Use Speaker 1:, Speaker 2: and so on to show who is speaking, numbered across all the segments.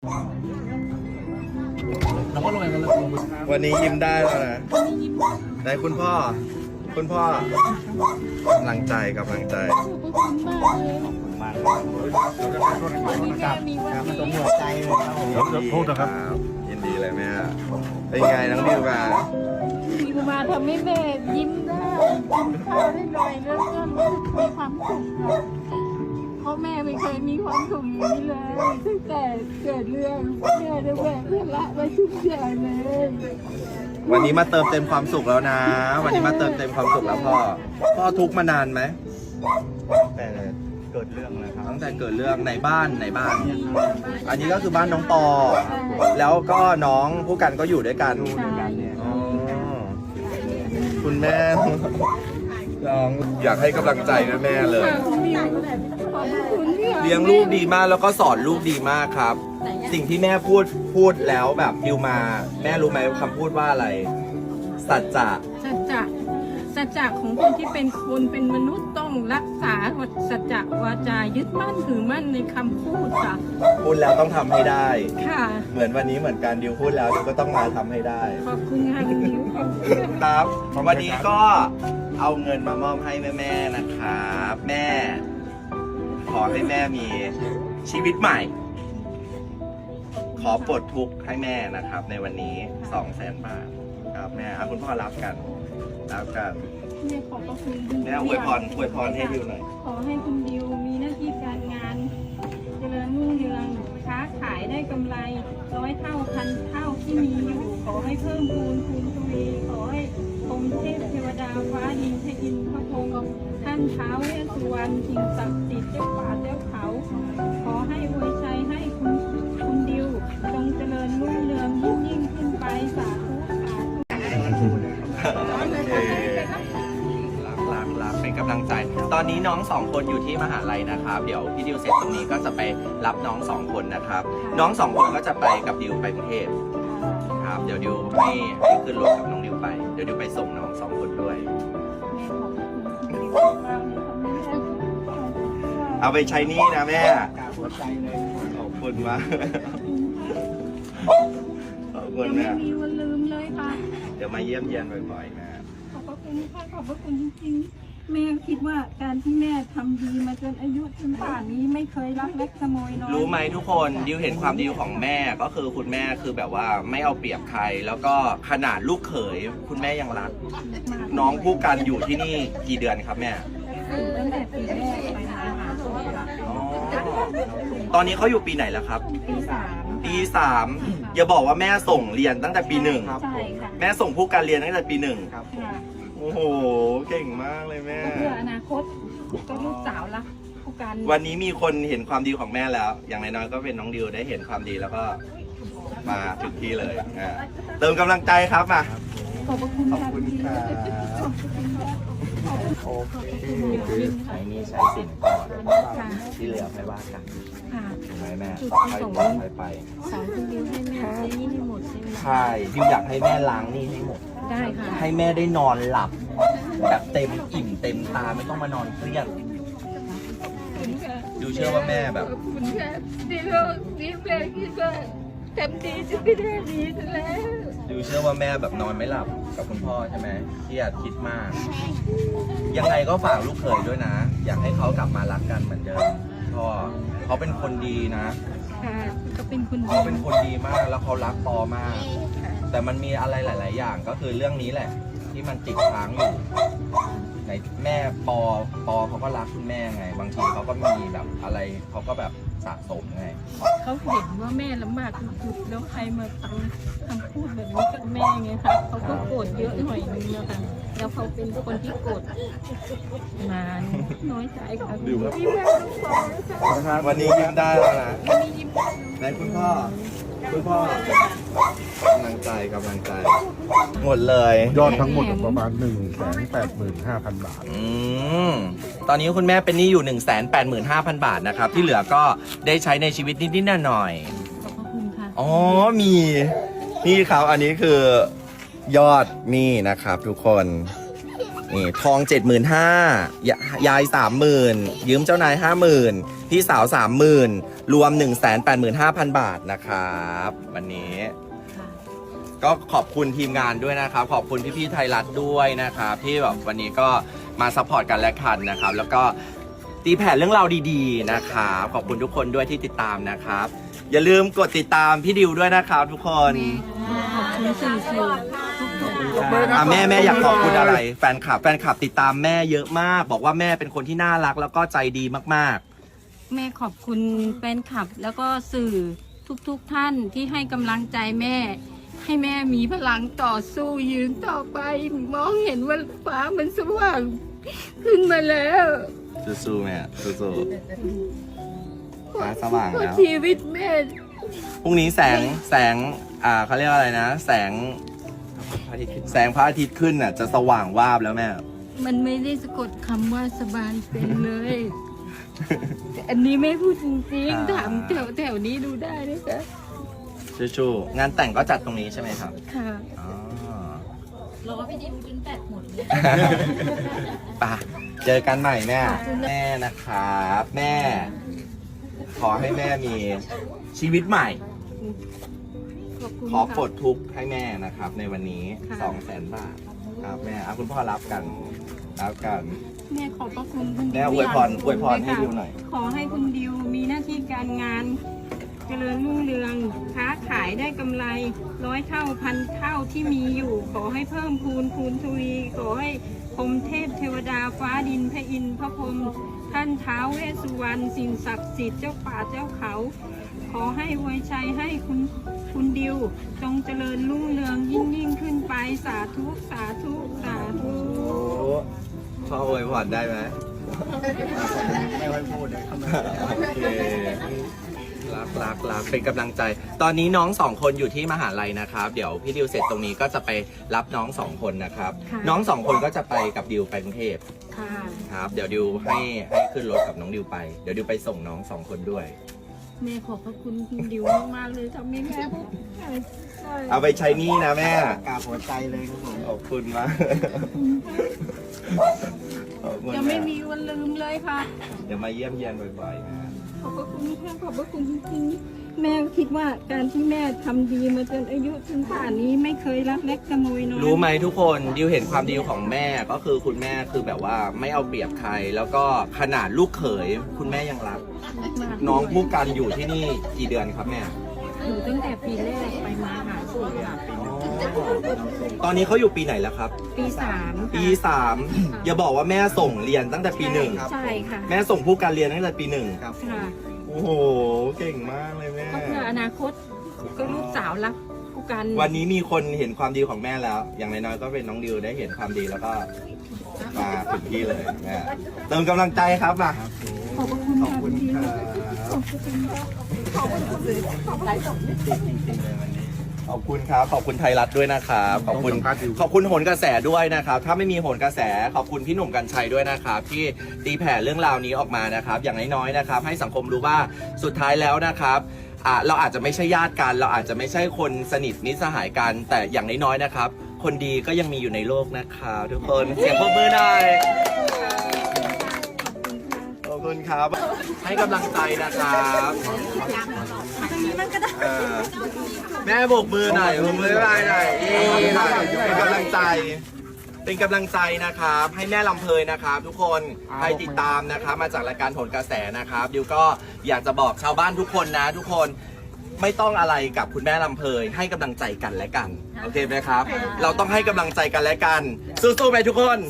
Speaker 1: เราก็ลงไปกันเลย
Speaker 2: วันนี้ยิ้มได้แล้วนะไหนคุณพ่อกำลังใจ
Speaker 3: ขอบคุณมากเลย
Speaker 1: วันนี้แม่มีวัน
Speaker 3: มัน
Speaker 1: นี้
Speaker 3: ตรงหัวใจเลยครับผม
Speaker 2: โทษนะครับยินดีเลยแม่เป็นไงน้องดิวมา
Speaker 1: มีมาทำให้แม่ยิ้มได้กินข้าวได้หน่อยแล้วก็รู้สึกมีความสุขค่ะเพราะแม่ไม่เคยมีความสุขอย่างนี้เลยตั้งแต่เกิดเรื่องแม่ได้แบกภาระไว้ทุกอย่างเลย
Speaker 2: วันนี้มาเติมเต็มความสุขแล้วนะ วันนี้มาเติมเต็มความสุขแล้วพ่อทุกข์มานานไหม
Speaker 3: แต่เกิดเรื่องนะครับ
Speaker 2: ตั้งแต่เกิดเรื่องในบ้านอันนี้ก็คือบ้านน้องปอ แล้วก็น้องผู้กันก็อยู่ด้วยกัน อ๋อคุณแม่น้องอยากให้กำลังใจแม่เลย เลี้ยงลูกดีมากแล้วก็สอนลูกดีมากครับ สิ่งที่แม่พูดแล้วแบบดิวมา แม่รู้ไหมคำพูดว่าอะไร สัจจะ
Speaker 1: สัจจะของคนที่เป็นคนเป็นมนุษย์ต้องรักษาสัจจะวาจายึดมั่นถือมั่นในคำพูดค่ะ
Speaker 2: พูดแล้วต้องทำให้ได้
Speaker 1: ค่ะ
Speaker 2: เหมือนวันนี้เหมือนกันดิวพูดแล้วดิวก็ต้องมาทำให้ได้
Speaker 1: ขอบคุณค่ะคุณดิวขอบคุณค่ะ
Speaker 2: ครับวันนี้ก็เอาเงินมามอบให้แม่ๆนะครับแม่ ขอให้แม่มีชีวิตใหม่ ขอปลดทุกข์ให้แม่นะครับ ในวันนี้ 200,000 บาทครับแม่เอาคุณพ่อรับกัน
Speaker 1: แม่ขอบพระคุณคุณ
Speaker 2: แม่อวยพรให้ดิวหน่อย
Speaker 1: ขอให้คุณดิวมีหน้าที่การงานเจริญรุ่งเรืองค้าขายได้กำไร100 เท่าพันเท่าที่มีอยู่ ขอให้เพิ่มพูนทวีขอให้องค์เทพเทวดาฟ้าดินพระอินทร์พระพรหมท่านท้าวเวสสุวรรณสิ่งศักดิ์สิทธิ์เจ้าป่าเจ้าเขา ขอให้อวยชัยให้คุณดิวจงเจริญรุ่งเรืองยิ่งขึ้นไปสาธุ
Speaker 2: รักเป็นกำลังใจ ตอนนี้น้อง2 คนอยู่ที่มหาลัยนะครับ เดี๋ยวพี่ดิวเสร็จตรงนี้ก็จะไปรับน้อง2 คนนะครับ น้อง2 คนก็จะไปกับดิวไปกรุงเทพครับ เดี๋ยวดิวให้ขึ้นรถกับน้องดิวไป เดี๋ยวดิวไปส่งน้อง2 คนด้วย
Speaker 1: แม่ขอบคุณคุณดิวมากเลยค่ะแม่
Speaker 2: เอาไปใช้หนี่นะแม่
Speaker 3: กราบหัวใจเลย
Speaker 2: ขอบคุณมากขอบคุณ
Speaker 1: ยัง
Speaker 2: แม่
Speaker 1: ไม่มีวันลืมเลยค่ะ
Speaker 2: เดี๋ยวมาเยี่ยมเยียนบ่อยๆนะ
Speaker 1: ขอบพระคุณค่ะขอบพระคุณจริงๆแม่คิดว่าการที่แม่ทำดีมาจนอายุจนป่านนี้ไม่เคยลักเล็กขโมยน้อย
Speaker 2: รู้ไหมทุกคนดิวเห็นความดีของแม่ก็คือคุณแม่คือแบบว่าไม่เอาเปรียบใคร แล้วก็ขนาดลูกเขยคุณแม่ยังรัก น้องผู้กันอยู่ที่นี่กี่เดือนครับแม่
Speaker 1: ตั้งแต่ปีแรกไปหาตัวค่ะ
Speaker 2: อ๋อตอนนี้เขาอยู่ปีไหนแล้วครับ
Speaker 1: ปี 3
Speaker 2: ปี3อย่าบอกว่าแม่ส่งเรียนตั้งแต่ปี
Speaker 3: ครับ
Speaker 1: ใช่ค่ะ
Speaker 2: 1แม่ส่งผู้กันเรียนตั้งแต่ปี
Speaker 3: ครับ
Speaker 1: ค่ะ
Speaker 2: 1โอ้โหเก่งมากเลยแม่
Speaker 1: เพื่ออนาคตก็ลูกสาวรักผู้การ
Speaker 2: วันนี้มีคนเห็นความดีของแม่แล้ว อย่างน้อยๆก็เป็นน้องดิวได้เห็นความดีแล้วก็มาถึงที่เลยเติมกำลังใจครับมา
Speaker 1: ขอบพระคุณ
Speaker 3: ขอบ
Speaker 1: ค่ะ
Speaker 3: คุณครับ
Speaker 1: ขอบคุณค่ะ
Speaker 3: โอเคคือใช้หนี่ใช้สินก่อน
Speaker 1: ค่ะ
Speaker 3: ที่เหลือไม่ว่ากัน
Speaker 1: ค่ะ
Speaker 3: ถูกไหมแม่
Speaker 1: จุด
Speaker 3: ค่อย
Speaker 1: ประสงค์
Speaker 3: บอกค่อยไป
Speaker 1: สอนคุณดิวให้แม่ใช้หนี่ให้หมดใช่ไหม
Speaker 2: ใช่ดิวอยากให้แม่ล้างหนี่ให้หมด
Speaker 1: ได้ค่ะ
Speaker 2: ให้แม่ได้นอนหลับ แบบเต็มอิ่มเต็มตาไม่ต้องมานอนเครียดดิวเชื่อว่าแม่แบบ
Speaker 1: ขอบคุณค่ะที่เราที่แม่คิดว่าทำดีจะไม่ได้ดีซะแล้ว
Speaker 2: ดิวเชื่อว่าแม่แบบนอนไม่หลับกับคุณพ่อใช่ไหมเครียดคิดมาก ยังไงก็ฝากลูกเขยด้วยนะ อยากให้เขากลับมารักกันเหมือนเดิมพ่อเขาเป็นคนดีนะ
Speaker 1: ค่ะก็เป็นคุณ
Speaker 2: เขาเป็นคนดีมากแล้วเขารักปอมาก แต่มันมีอะไรหลาย ๆ อย่างก็คือเรื่องนี้แหละ ที่มันติดค้างอยู่ในแม่ปอเขาก็รักคุณแม่ไง บางทีเขาก็มีแบบอะไรเขาก็แบบสะสมไง
Speaker 1: เขาเห็นว่าแม่ลำบากสุดๆแล้วใครมาทำคำพูดแบบนี้กับแม่ไงคะเขาก็โกรธเยอะหน่อยนึงนะคะแล้วเขาเป็นคนที่โกรธนานน้อยใจค่ะที่แม่ต้องขอ
Speaker 2: วันนี้ยิ้มได้แล้วนะ
Speaker 1: มียิ้มได้
Speaker 2: ไหนคุณพ่อกำลังใจหมดเลย
Speaker 4: ยอดทั้งหมดประมาณ 185,000 บาท
Speaker 2: ตอนนี้คุณแม่เป็นหนี้อยู่ 185,000 บาทนะครับ ที่เหลือก็ได้ใช้ในชีวิตนิดๆหน่อยๆ
Speaker 1: ขอบพระคุณค่ะ
Speaker 2: อ๋อ มีนี่ครับอันนี้คือยอดนี่นะครับทุกคนนี่ทอง 75,000 ยาย 30,000 ยืมเจ้านาย 50,000 พี่สาว 30,000 รวม 185,000 บาทนะครับวันนี้ ก็ขอบคุณทีมงานด้วยนะครับ ขอบคุณพี่ๆไทยรัฐด้วยนะครับที่แบบวันนี้ก็มาซัพพอร์ตกันและกันนะครับ แล้วก็ตีแผ่เรื่องราวดีๆนะครับขอบคุณทุกคนด้วยที่ติดตามนะครับ อย่าลืมกดติดตามพี่ดิวด้วยนะครับทุกคน
Speaker 1: ขอบคุณสื่อทุก
Speaker 2: แม่อยากขอบคุณอะไรแฟนคลับติดตามแม่เยอะมาก บอกว่าแม่เป็นคนที่น่ารักแล้วก็ใจดีมาก
Speaker 1: แม่ขอบคุณแฟนคลับ แล้วก็สื่อทุกท่านที่ให้กำลังใจแม่ ให้แม่มีพลังต่อสู้ยืนต่อไป มองเห็นว่าฟ้ามันสว่างขึ้นมาแล้ว
Speaker 2: ๆสู้ๆแม่สู้ๆฟ้าสว่าง
Speaker 1: เพราะ
Speaker 2: แล้ว
Speaker 1: ชีวิตแม่
Speaker 2: พรุ่งนี้แสงเขาเรียกว่าอะไรนะ แสงพระอาทิตย์ขึ้นน่ะจะสว่างวาบแล้วแม่
Speaker 1: มันไม่ได้สะกดคำว่าสบายเป็นเลย อันนี้ไม่พูดจริงๆถามแถวนี้ดูได้นะคะ
Speaker 2: ชูๆงานแต่งก็จัดตรงนี้ใช่ไหมครับ
Speaker 1: ค่ะ
Speaker 2: อ๋อ
Speaker 5: รอพี่ดิมจนแปดหมดเลย
Speaker 2: ไปเจอกันใหม่แม่นะครับแม่ ขอให้แม่มีชีวิตใหม่
Speaker 1: ขอบคุณ
Speaker 2: ขอ
Speaker 1: ค่ะ
Speaker 2: ปลดทุกข์ให้แม่นะครับ ในวันนี้
Speaker 1: ค่ะ
Speaker 2: 200,000 บาทครับแม่เอาคุณพ่อรับกัน
Speaker 1: แม่ขอบพระคุณคุณดิว
Speaker 2: แม่อวยพรให้ดิวหน่อย
Speaker 1: ขอให้คุณดิวมีหน้าที่การงาน เจริญรุ่งเรืองค้าขายได้กำไร100 เท่าพันเท่าที่มีอยู่ ขอให้เพิ่มพูนทวีขอให้พรหมเทพเทวดาฟ้าดินพระอินทร์พระพรหมท่านท้าวเวสสุวรรณสิ่งศักดิ์สิทธิ์เจ้าป่าเจ้าเขา ขอให้อวยชัยให้คุณดิว จงเจริญรุ่งเรืองยิ่งขึ้นไปสาธุสาธุสาธุ
Speaker 2: พ่ออวยพรได้ไหม
Speaker 3: ไม่ค่อยพูดเลยครับ
Speaker 2: โอเครักเป็นกำลังใจ ตอนนี้น้องสองคนอยู่ที่มหาลัยนะครับ เดี๋ยวพี่ดิวเสร็จตรงนี้ก็จะไปรับน้องสองคนนะครับ น้องสองคนก็จะไปกับดิวไปกรุงเทพ
Speaker 1: ค่ะ
Speaker 2: ครับ เดี๋ยวดิวให้ขึ้นรถกับน้องดิวไป เดี๋ยวดิวไปส่งน้องสองคนด้วย
Speaker 1: แม่ขอบพระคุณคุณดิวมากๆเลยทำให้แม่
Speaker 2: เอาไปใช้หนี่นะแม่
Speaker 3: กราบหัวใจเลยครับผม
Speaker 2: ขอบคุณมากขอบคุณ
Speaker 1: จะไม่มีวันลืมเลยค่ะ
Speaker 2: เดี๋ยวมาเยี่ยมเยียนบ่อยๆนะ
Speaker 1: ขอบพระคุณค่ะขอบพระคุณจริงๆแม่คิดว่าการที่แม่ทำดีมาจนอายุถึงป่านนี้ไม่เคยรักเล็กขโมยน้อย
Speaker 2: รู้ไหมทุกคนดิวเห็นความดีของแม่ก็คือคุณแม่คือแบบว่าไม่เอาเปรียบใคร แล้วก็ขนาดลูกเขยคุณแม่ยังรัก น้องผู้กันอยู่ที่นี่กี่เดือนครับแม่
Speaker 1: อยู่ตั้งแต่ปีแรกไปมาหาสู่ค่ะ
Speaker 2: ตอนนี้เขาอยู่ปีไหนแล้วครับ
Speaker 1: ปีสาม
Speaker 2: ปี 3 อย่าบอกว่าแม่ส่งเรียนตั้งแต่ปี
Speaker 1: ใช่ค่ะ
Speaker 2: 1 แม่ส่งผู้กันเรียนตั้งแต่ปี 1
Speaker 3: ครับ
Speaker 1: ค่ะ
Speaker 2: โอ้โห เก่งมากเลยแม่
Speaker 1: ก็เพื่ออนาคตก็ลูกสาวรักผู้กัน
Speaker 2: วันนี้มีคนเห็นความดีของแม่แล้ว อย่างน้อยๆก็เป็นน้องดิวได้เห็นความดีแล้วก็มาถึงที่เลยแม่เติมกำลังใจครับมา
Speaker 1: ขอบพระคุณ
Speaker 3: ขอบ
Speaker 1: ค่ะ
Speaker 3: คุณ
Speaker 1: ดิว
Speaker 3: ครับจริงๆเลยวันนี้
Speaker 2: ขอบคุณครับ ขอบคุณไทยรัฐด้วยนะครับ ขอบคุณ
Speaker 4: ขอบคุณครับดิว
Speaker 2: ขอบคุณโหนกระแสด้วยนะครับ ถ้าไม่มีโหนกระแส ขอบคุณพี่หนุ่มกัญชัยด้วยนะครับ ที่ตีแผ่เรื่องราวนี้ออกมานะครับ อย่างน้อยๆนะครับ ให้สังคมรู้ว่าสุดท้ายแล้วนะครับเราอาจจะไม่ใช่ญาติกัน เราอาจจะไม่ใช่คนสนิทมิตรสหายกัน แต่อย่างน้อยๆนะครับ คนดีก็ยังมีอยู่ในโลกนะครับทุกคน เสียงปรบมือหน่อย ขอบคุณครับ ให้กำลังใจนะครับแม่โบกมือหน่อยโบกมือหน่อยหน่อยเป็นกำลังใจ เป็นกำลังใจนะครับ ให้แม่ลำเพยนะครับ ทุกคนใครติดตามนะครับ มาจากรายการโหนกระแสนะครับดิวก็อยากจะบอกชาวบ้านทุกคนนะทุกคนไม่ต้องอะไรกับคุณแม่ลำเพยให้กำลังใจกันและกัน โอเคไหมครับ เราต้องให้กำลังใจกันและกัน สู้ๆไปทุกคน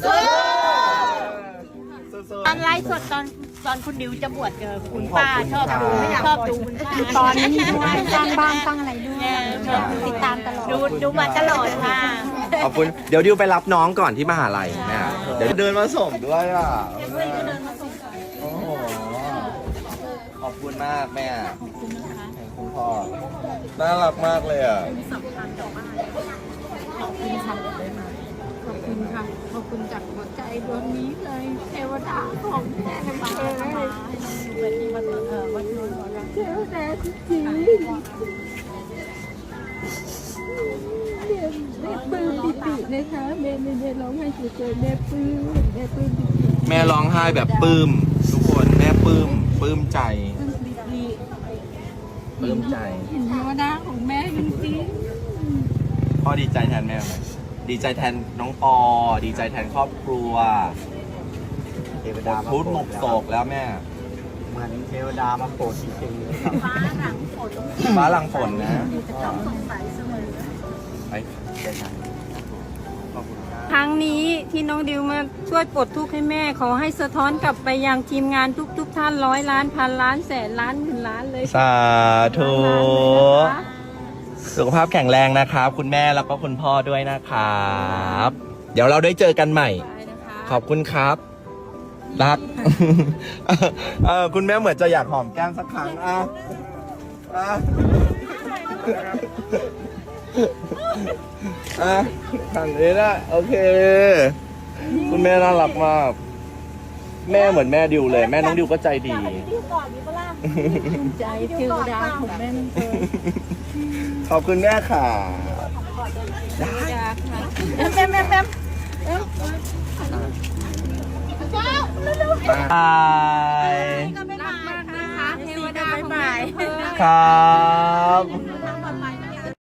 Speaker 2: สู้ๆ
Speaker 5: ตอนไลฟ์สดตอนคุณดิวจะบวชเจอคุณป้าชอบดูคุณป้า
Speaker 6: ตอนนี้ด้วยสร้างบ้านสร้างอะไรด้วย
Speaker 5: ชอบดู
Speaker 6: ติดตามตลอด
Speaker 5: ดูมาตลอดค่ะ
Speaker 2: ขอบคุณ เดี๋ยวดิวไปรับน้องก่อนที่มหาลัยแม่เดี๋ยวเดินมาส่งด้วยอ่ะโอ้โหขอบคุณมากแม่ขอบคุณนะคะคุณพ่อน่ารักมากเลยอ่ะ
Speaker 1: ขอบคุณค่ะ ขอบคุณค่ะ ขอบคุณจากหัวใจดวงนี้เลย เทวดาของแม่มาเลยเทวดาจริงๆแม่ปลื้มปิตินะคะแม่ร้องไห้เฉยๆแม่ปลื้มปิติ
Speaker 2: แม่ร้องไห้แบบปลื้มทุกคนแม่ปลื้มใจ
Speaker 1: ปลื้มปิติ
Speaker 2: ปลื้มใจ
Speaker 1: เห็นเทวดาของแม่จริง
Speaker 2: พ่อดีใจแทนแม่ไหมดีใจแทนน้องปอ ดีใจแทนครอบครัว
Speaker 3: เทวดามา
Speaker 2: พุทธหมกโศกแล้วแม่
Speaker 3: เหมือนเทวดามาโปรดจริงๆเลยครับ
Speaker 5: ฟ้าหลังฝน
Speaker 2: ฟ้าหลังฝนนะ
Speaker 5: ต้องสงสัยเสมอ
Speaker 2: ไปเดินทางขอบคุณครับ
Speaker 1: ๆครั้งนี้ที่น้องดิวมาช่วยปลดทุกข์ให้แม่ ขอให้สะท้อนกลับไปยังทีมงานทุกท่าน100 ล้านพันล้านแสนล้านหมื่นล้านเลย
Speaker 2: สาธุ
Speaker 1: ล้านเลยนะคะ
Speaker 2: สุขภาพแข็งแรงนะครับ คุณแม่แล้วก็คุณพ่อด้วยนะครับ เดี๋ยวเราได้เจอกันใหม่
Speaker 1: ไปนะคะ
Speaker 2: ขอบคุณครับ รัก คุณแม่เหมือนจะอยากหอมแก้มสักครั้งทางนี้นะโอเค คุณแม่น่ารักมาก แม่เหมือนแม่ดิวเลย แม่น้องดิวก็ใจดี
Speaker 1: ใจเทวดาของแม่นั่นเอง
Speaker 2: ขอบคุณแม่ค่ะ
Speaker 1: เทวดาค่ะ
Speaker 2: บาย
Speaker 1: รักมากนะคะเทวดาของแม่
Speaker 2: ครับ